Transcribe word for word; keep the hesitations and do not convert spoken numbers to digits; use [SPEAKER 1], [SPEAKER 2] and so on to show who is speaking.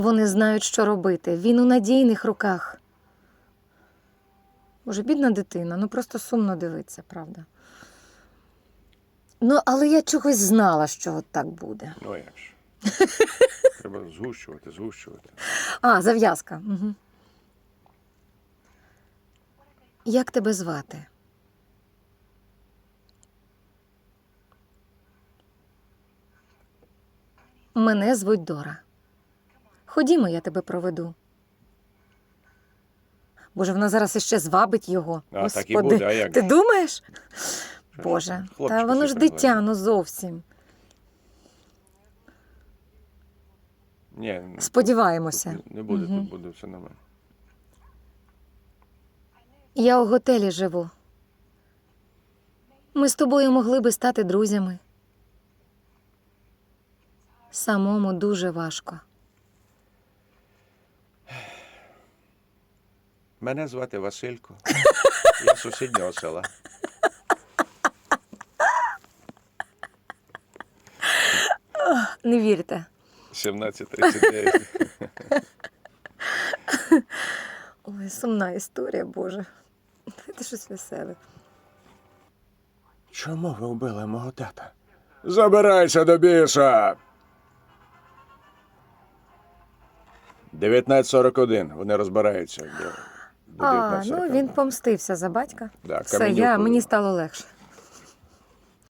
[SPEAKER 1] Вони знають, що робити. Він у надійних руках. Боже, бідна дитина, ну просто сумно дивиться, правда. Ну, але я чогось знала, що от так буде.
[SPEAKER 2] Ну, як ж. Треба згущувати, згущувати.
[SPEAKER 1] А, зав'язка. Угу. Як тебе звати? Мене звуть Дора. Ходімо, я тебе проведу. Боже, вона зараз іще звабить його.
[SPEAKER 2] А,
[SPEAKER 1] Господи,
[SPEAKER 2] так і буде, а як
[SPEAKER 1] ти
[SPEAKER 2] же?
[SPEAKER 1] думаєш?
[SPEAKER 2] Що
[SPEAKER 1] Боже,
[SPEAKER 2] ж, хлопчика
[SPEAKER 1] та воно ж
[SPEAKER 2] всі
[SPEAKER 1] дитя,
[SPEAKER 2] пригледять.
[SPEAKER 1] ну зовсім.
[SPEAKER 2] Ні,
[SPEAKER 1] Сподіваємося.
[SPEAKER 2] тут не буде,
[SPEAKER 1] Мгм.
[SPEAKER 2] тут буде все нормально.
[SPEAKER 1] Я у готелі живу. Ми з тобою могли би стати друзями. Самому дуже важко.
[SPEAKER 2] Мене звати Василько. Я з сусіднього села.
[SPEAKER 1] Не вірте.
[SPEAKER 2] сімнадцять тридцять дев'ять.
[SPEAKER 1] Ой, сумна історія, Боже. Це щось веселе.
[SPEAKER 2] Чому ви вбили мого тата? Забирайся до біса! дев'ятнадцять сорок один. Вони розбираються до, до
[SPEAKER 1] А,
[SPEAKER 2] дев'ятнадцять
[SPEAKER 1] ну
[SPEAKER 2] сорок
[SPEAKER 1] він
[SPEAKER 2] один.
[SPEAKER 1] помстився за батька.
[SPEAKER 2] Да,
[SPEAKER 1] Все,
[SPEAKER 2] Каменюку.
[SPEAKER 1] я, мені стало легше.